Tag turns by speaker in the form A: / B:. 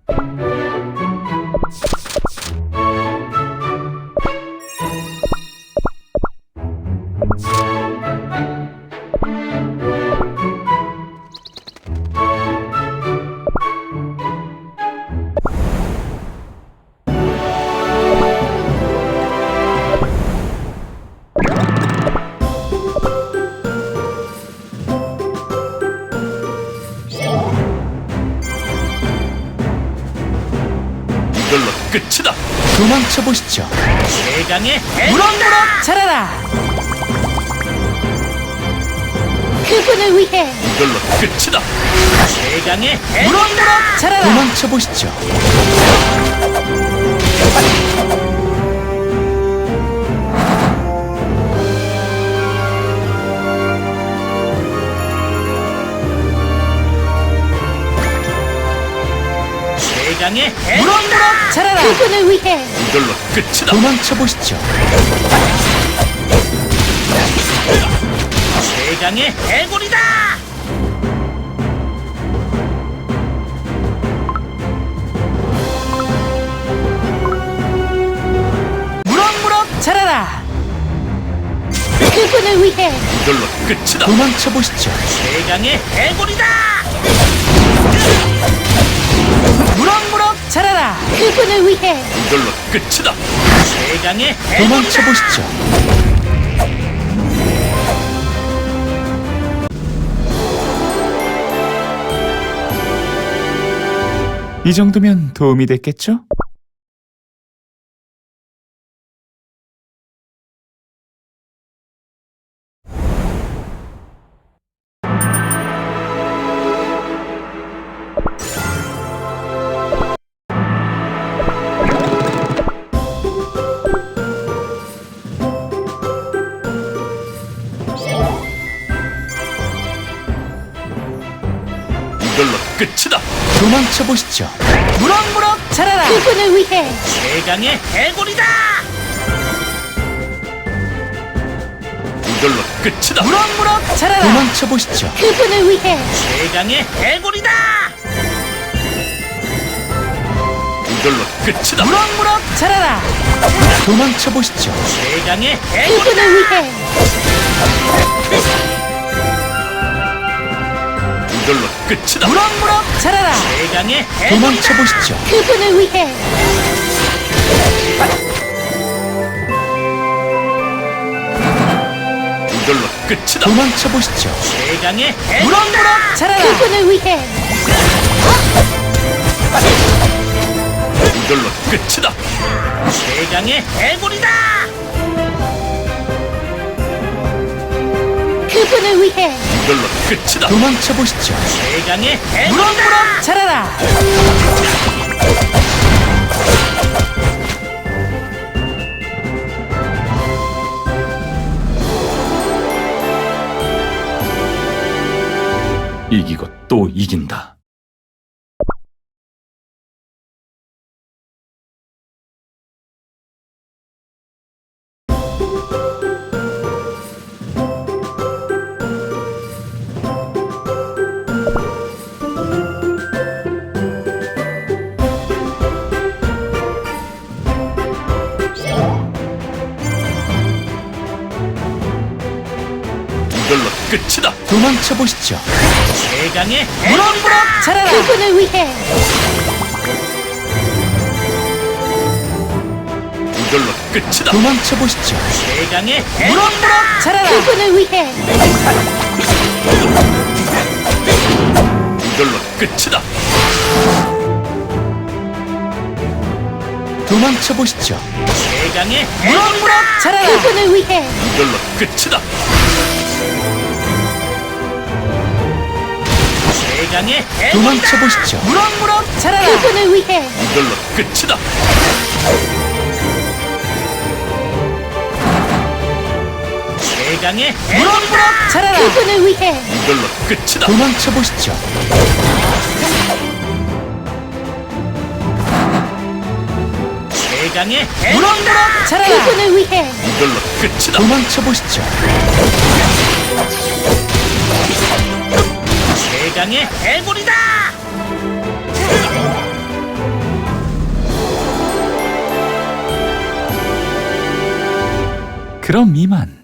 A: 이걸로 끝이다.
B: 도망쳐 보시죠.
C: 최강의
B: 무럭무럭 자라라.
D: 그분을 위해
A: 이걸로 끝이다.
C: 최강의
B: 무럭무럭 자라라. 도망쳐 보시죠.
C: 최강의
B: 무럭무럭 자라라.
D: 그분을 위해
A: 이걸로 끝이다.
B: 도망쳐 보시죠.
C: 최강의 해골이다.
B: 무럭무럭 자라라.
D: 그분을 위해
A: 이걸로 끝이다.
B: 도망쳐 보시죠.
C: 최강의 해골이다.
B: 무럭무럭 자라라.
D: 그분을 위해
A: 이걸로 끝이다.
C: 최강의
B: 도망쳐
C: 해골이다.
B: 보시죠. 이 정도면 도움이 됐겠죠?
A: 이걸로 끝이다.
B: 도망쳐 보시죠. 무럭무럭 자라라.
D: 그분을 위해
C: 최강의 해골이다.
A: 이걸로 끝이다.
B: 무럭무럭 자라라. 도망쳐 보시죠.
D: 그분을 위해
C: 최강의 해골이다.
A: 이걸로 끝이다.
B: 무럭무럭 자라라. 도망쳐 보시죠.
C: 최강의 해골이다.
D: 그분을 위해
A: 이걸로 끝이다.
B: 무럭무럭 자라라.
C: 최강의
B: 도망쳐
C: 해골이다.
B: 보시죠.
D: 그분을 위해
A: 이걸로 끝이다.
B: 도망쳐 보시죠.
C: 최강의 해골이다.
B: 무럭무럭 자라라.
D: 그분을 위해
A: 이걸로 끝이다.
C: 최강의 해골이다.
D: 그분을 위해
A: 이걸로 끝이다.
B: 도망쳐 보시죠.
C: 최강의 해골이다.
B: 무럭무럭 자라라.
A: 이기고 또 이긴다. 이걸로 끝이다.
B: 도망쳐 보시죠.
C: 최강의
B: 무럭무럭 자라라.
D: 그분을 위해
A: 이걸로 끝이다.
B: 도망쳐 보시죠.
C: 최강의
B: 무럭무럭 자라라.
D: 그분을 위해
A: 이걸로 끝이다.
B: 도망쳐 보시죠.
C: 최강의
B: 무럭무럭 자라라.
D: 그분을 위해
A: 이걸로 끝이다.
C: 최강의
B: 도망쳐 보시죠. 무럭무럭 자라라.
D: 그분을 위해
A: 이걸로 끝이다.
C: 최강의
B: 무럭무럭 자라라.
D: 그분을 위해
A: 이걸로 끝이다.
B: 도망쳐 보시죠.
C: 최강의
B: 무럭무럭 자라라.
D: 그분을 위해
A: 이걸로 끝이다.
B: 도망쳐 보시죠.
C: 최강의 해골이다.
B: 그럼 이만.